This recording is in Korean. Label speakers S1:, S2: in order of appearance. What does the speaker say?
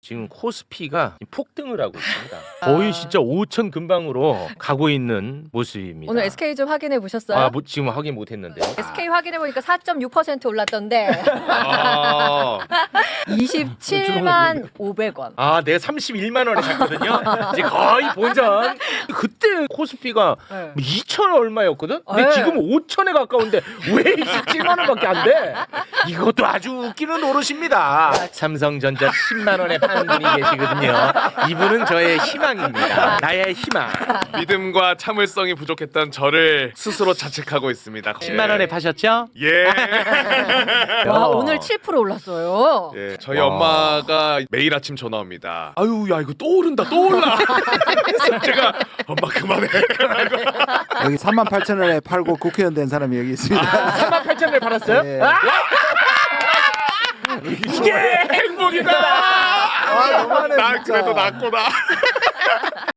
S1: 지금 코스피가 폭등을 하고 있습니다. 거의 진짜 5천 근방으로 가고 있는 모습입니다.
S2: 오늘 SK 좀 확인해 보셨어요?
S1: 아, 지금 확인 못했는데.
S2: SK 확인해 보니까 4.6% 올랐던데
S1: 아,
S2: 27만 500원.
S1: 아, 내가 31만 원에 샀거든요. 이제 거의 본전. 그때 코스피가
S2: 네.
S1: 2천 얼마였거든. 근데
S2: 네.
S1: 지금 5천에 가까운데 왜 27만 원밖에 안 돼? 이것도 아주 웃기는 노릇입니다. 삼성전자 10만 원에 파는 분이 계시거든요. 이분은 저의 희망입니다. 나의 희망.
S3: 믿음과 참을성이 부족했던 저를 스스로 자책하고 있습니다.
S1: 10만 원에 파셨죠?
S3: 예.
S2: 와, 오늘 7% 올랐어요.
S3: 예. 저희
S1: 와.
S3: 엄마가 매일 아침 전화 옵니다. 아유, 야, 이거 또 오른다, 또 올라. 그래서 제가 엄마 그만해.
S4: 여기 38,000원에 팔고 국회의원 된 사람이 여기 있습니다.
S1: 38,000원에 팔았어요?
S4: 예.
S3: 이게 행복이다.
S4: 아, 너무하네,
S3: 난
S4: 진짜.
S3: 그래도 낫구나.